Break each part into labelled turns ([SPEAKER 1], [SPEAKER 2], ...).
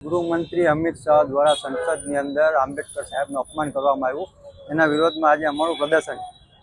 [SPEAKER 1] ગૃહમંત્રી અમિત શાહ દ્વારા સંસદની અંદર આંબેડકર સાહેબનું અપમાન કરવામાં આવ્યું, એના વિરોધમાં આજે અમારું પ્રદર્શન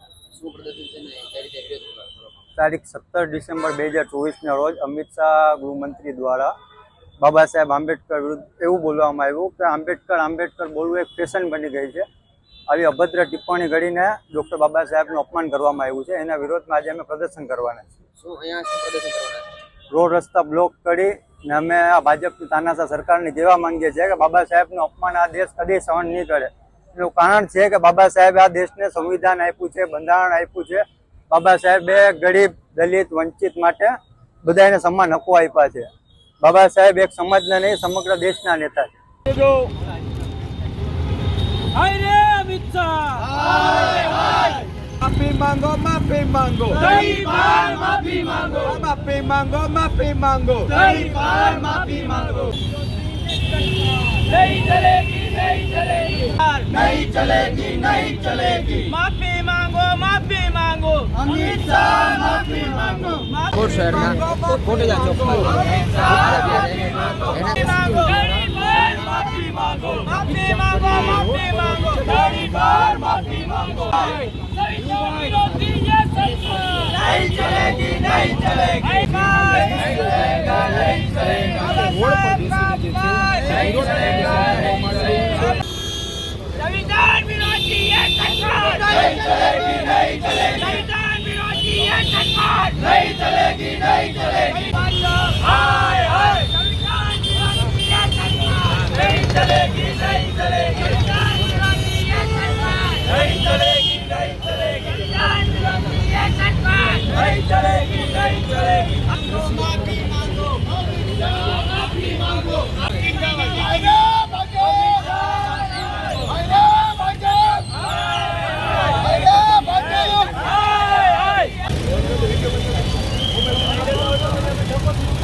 [SPEAKER 1] તારીખ 17 ડિસેમ્બર 2024ના રોજ અમિત શાહ ગૃહમંત્રી દ્વારા બાબા સાહેબ આંબેડકર વિરુદ્ધ એવું બોલવામાં આવ્યું કે આંબેડકર બોલવું એક ફેશન બની ગઈ છે। આવી અભદ્ર ટિપ્પણી કરીને ડૉક્ટર બાબા સાહેબનું અપમાન કરવામાં આવ્યું છે, એના વિરોધમાં આજે અમે પ્રદર્શન કરવાના છીએ। રોડ રસ્તા બ્લોક કરી ને અમે આ ભાજપની તાનાશાહ સરકારને કહેવા માંગીએ છીએ કે બાબા સાહેબનું અપમાન આ દેશ કદી સહન નહીં કરે। એનું કારણ છે કે બાબા સાહેબે આ દેશને સંવિધાન આપ્યું છે, બંધારણ આપ્યું છે। બાબા સાહેબે ગરીબ, દલિત, વંચિત માટે બધાને સમાન હકો આપ્યા છે। બાબા સાહેબ એક સમાજના નહીં, સમગ્ર દેશના નેતા છે।
[SPEAKER 2] माफी मांगो, माफी मांगो,
[SPEAKER 3] कई बार माफी मांगो,
[SPEAKER 2] माफी मांगो, माफी मांगो,
[SPEAKER 3] कई बार माफी मांगो। नहीं चलेगी, नहीं चलेगी, नहीं चलेगी, नहीं चलेगी। माफी मांगो, माफी मांगो, अमित शाह माफी मांगो।
[SPEAKER 4] कोट शहर में कोटे जा चौक पर
[SPEAKER 3] अमित शाह माफी मांगो, कई बार माफी मांगो, माफी मांगो, माफी मांगो, कई बार माफी मांगो। विरोधी ये सरकार नहीं चलेगी, नहीं चलेगी, नहीं चलेगा, नहीं चलेगा, नहीं चलेगा, नहीं चलेगा। संविधान विरोधी ये सरकार नहीं चलेगी, नहीं चलेगी, संविधान विरोधी ये सरकार नहीं चलेगी, नहीं चलेगी। हाय हाय